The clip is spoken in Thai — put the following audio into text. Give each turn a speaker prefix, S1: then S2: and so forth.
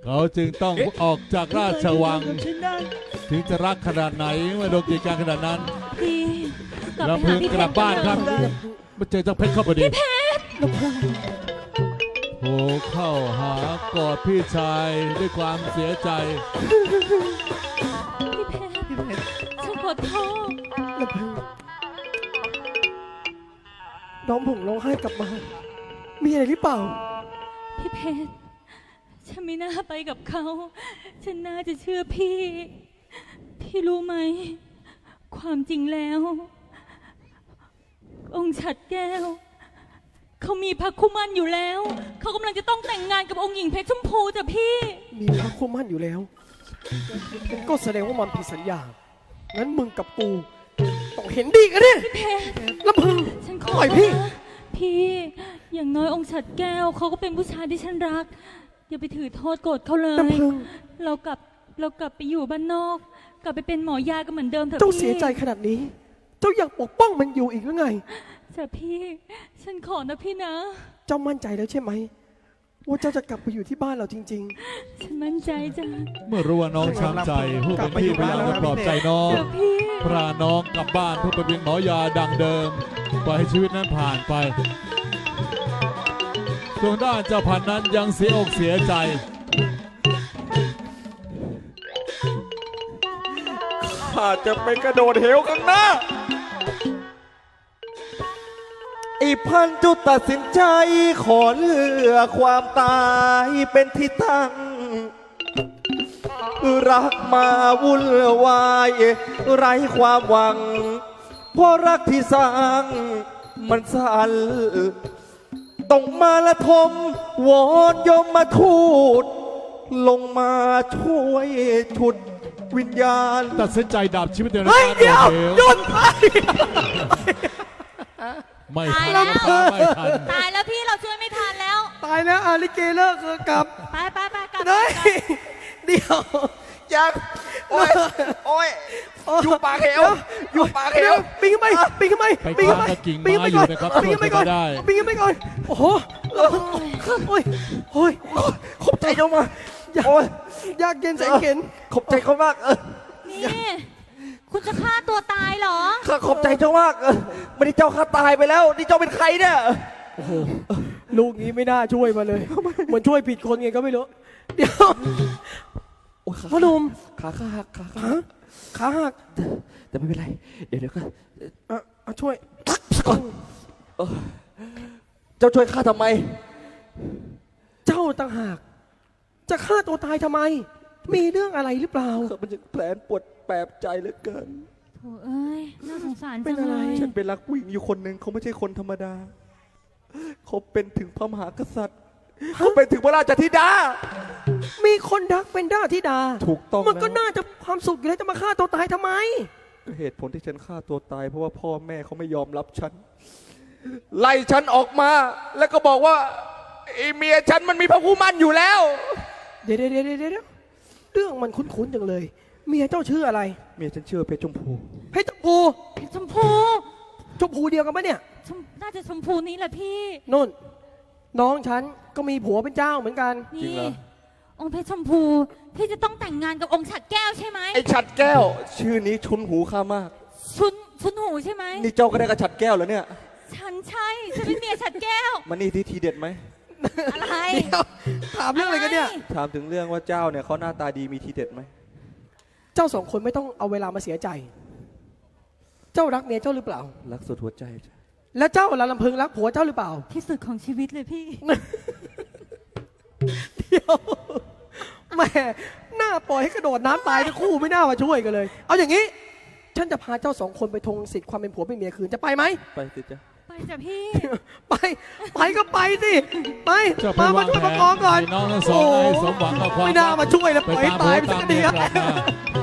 S1: เขาจึงต้องออกจากราชวังถึงจะรักขนาดไหนเมื่อโดนกีดกันขนาดนั้น
S2: พี่กลับ
S1: แล้ว
S2: ไป
S1: พึ่
S2: หาง พี่
S1: กลับบ้านครับมาเจอเจ้าเพชรเข้าพอดีโผล่เข้าหากอดพี่ชายด้วยความเสียใจ
S2: พี่เพชรฉันขอโทษ
S3: ลำพึงน้องผมร้องไห้กลับมา มีอะไรหรือเปล่า
S2: พี่เพชรฉันไม่น่าไปกับเขา ฉันน่าจะเชื่อพี่ พี่รู้ไหม ความจริงแล้ว องค์ฉัดแก้ว เขามีพระคุมันอยู่แล้ว เขากำลังจะต้องแต่งงานกับองค์หญิงเพชรชมพูจ้ะพี่
S3: มีพระคู่มั่นอยู่แล้ว ก็แสดงว่ามันผิดสัญญา งั้นมึงกับกูต้องเห็นดีกันดิ
S2: พี่เพชร
S3: ลำพึง
S2: ฉันขอ
S3: ปล่อยพี่
S2: นะพี่อย่างน้อยองค์ฉัดแก้วเขาก็เป็นผู้ชายที่ฉันรัก อย่าไปถือโทษโกรธเขาเลย
S3: ลำพึง
S2: เรากลับไปอยู่บ้านนอก กลับไปเป็นหมอยากันเหมือนเดิมเถอะ
S3: เจ้า
S2: พี่
S3: เสียใจขนาดนี้ เจ้าอยากปกป้องมันอยู่อีกหรือไง
S2: จ้ะพี่ ฉันขอนะพี่นะ
S3: เจ้ามั่นใจแล้วใช่ไหม ว่าเจ้าจะกลับไปอยู่ที่บ้านเราจริง
S2: ฉันมั่นใจจ้ะ
S1: เมื่อรู้ว่าน้องช้ำใจผู้เป็นพี่พยายามจะปลอบใจน้อง
S2: จ้ะพี่
S1: พาน้องกลับบ้านเพื่อไปเป็นหมอยาดังเดิมปล่อยให้ชีวิตนั้นผ่านไปส่วนด้านเจ้าพันนั้นยังเสียอกเสียใจ
S4: ข้าจะไปกระโดดเหวข้างหน้าไอ้พันจุดตัดสินใจขอเลือกความตายเป็นที่ตั้ง รักมาวุ่นวายไร้ความหวัง เพราะรักที่สร้างมันสั่นต้องมาละทมวอนยมมาทูตลงมาช่วยฉุดวิญญาณ
S1: ตัดสินใจดับชีวิตเดียว
S3: ๆ
S1: ใน
S3: เฮ้ย
S1: การ
S3: เดี๋ยว
S1: โดดเหว
S3: หยุดไป
S1: ไม่ทัน
S2: ตายแล้ว
S1: ไม่ทัน
S2: ตายแล้วพี่เราช่วยไม่ทันแล้ว
S3: ตายแล้วอาลิเกเลิกกลับ
S2: ไปกลับ
S3: เฮ้ยเดี๋ยว
S4: ยังโอ้ย โอ้ย อยู่ปากเหวอยู่ปากเหว
S3: ปีนขึ้นไปปีนขึ้นไป
S1: ไป
S3: ปีนขึ้นไป
S1: ค้างกับกิ่ง
S3: ปีน
S1: ไม้
S3: ขึ้น
S1: อ
S3: ไป
S1: ยู่
S3: ก่อน
S1: นะครับ
S3: ปีนขึ้นไปก่อน
S1: ช่วยได้
S3: ปีนขึ้นไปก่อนโอ้โหโอ้ยโอ้ย
S4: ขอบใจเจ้ามา
S3: อยาก
S4: โอ้ย
S3: ยากเย็นแสนเข็น
S4: ขอบใจเขามาก
S2: นี่คุณจะฆ่าตัวตายเหรอ
S4: ข้าขอบใจเจ้ามากไม่ได้เจ้าข้าตายไปแล้ว นี่เจ้าเป็นใครเนี่ย
S3: โอ้โหลูกนี้ไม่น่าช่วยมาเลยเหมือนช่วยผิดคนไงก็ไม่รู้เดี๋ยว
S4: โอ้ย
S3: พ่อหนุ่ม
S4: ขาหักขาหัก
S3: ฮะขาหัก
S4: แต่ไม่เป็นไร เดี๋ยวก็
S3: ช่วย
S4: เจ้าช่วยข้าทำไม
S3: เจ้าต่างหาก จะฆ่าตัวตายทำไม มีเรื่องอะไรหรือเปล่า
S4: มันจะแผลปวดแปบใจเหลือเกิน
S2: โถ่เอ้ย น่าสงสาร
S3: เป็
S2: จั
S3: น
S2: ง
S3: อะไร
S2: เลย
S4: ฉันเป็นรักผู้หญิงอยู่คนหนึ่งเขาไม่ใช่คนธรรมดา เขาเป็นถึงพระมหากษัตริย์ เขาเป็นถึงพระราชธิดา
S3: มีคนรักเป็นด้าธิดา
S4: ถูกต้อง
S3: มันก็
S4: แล้ว
S3: น่าจะความสุขอยู่แล้วจะมาฆ่าตัวตายทำไม
S4: เหตุผลที่ฉันฆ่าตัวตาย เพราะว่าพ่อแม่เขาไม่ยอมรับฉัน ไล่ฉันออกมา แล้วก็บอกว่าไอ้เมียฉันมันมีพระคู่มั่นอยู่แล้ว
S3: เดี๋ยวเรื่องมันคุ้นๆจังเลย เมียเจ้าชื่ออะไร
S4: เมียฉันเชื่อเพชรชมพู
S3: เพชรชมพู
S2: ชมพู
S3: ชมพูเดียวกันปะเนี่ย
S2: น่าจะชมพูนี้แหละพี่
S3: นุ่น น้องฉันก็มีผัวเป็นเจ้าเหมือนกัน
S4: จริง
S2: นี่
S4: เหรอ
S2: องค์เพชรชมพู พี่จะต้องแต่งงานกับองค์ฉัดแก้วใช่ไหม
S4: ไอ้ฉัดแก้ว ชื่อนี้ชุนหูข้ามาก
S2: ชุนหูใช่ไหม
S4: นี่เจ้าก็ได้กับฉัดแก้วแล้วเนี่ย
S2: ฉันใช่ ฉันเป็นเมียฉัดแก้ว
S4: มันนี่ที่ทีเด็ดไหม
S2: อะไร
S3: เดี๋ยวถามเรื่องอะไรกันเนี่ย
S4: ถามถึงเรื่องว่าเจ้าเนี่ยเขาหน้าตาดีมีทีเด็ดไหม
S3: เจ้าสองคนไม่ต้องเอาเวลามาเสียใจ เจ้ารักเมียเจ้าหรือเปล่า
S4: รักสุดหัวใจจ้ะ
S3: และเจ้าละลำพึงรักผัวเจ้าหรือเปล่า
S2: ที่สุดของชีวิตเลยพี่
S3: เดี๋ยวแหม่หน้าปล่อยให้กระโดดน้ำตายทั้งคู่ไม่น่ามาช่วยกันเลย เอาอย่างนี้ ฉันจะพาเจ้าสองคนไปทวงสิทธิ์ความเป็นผัวเป็นเมียคืนจะไปไหม
S4: ไปสิจ้ะ
S2: ไปจ้ะพี่
S3: ไปก็ไปสิไป
S1: เจ้าไป
S3: มาว
S1: าง
S3: ช่วย
S1: แผ
S3: ประกองก่อน
S1: ให้น้องทั้งสองให้สมหวังกับความ
S3: ไม่น่ามาช่วยแล้วปล่อยให้ตายไปสักที
S1: ตาม
S3: ครับ
S1: เรื่องตาม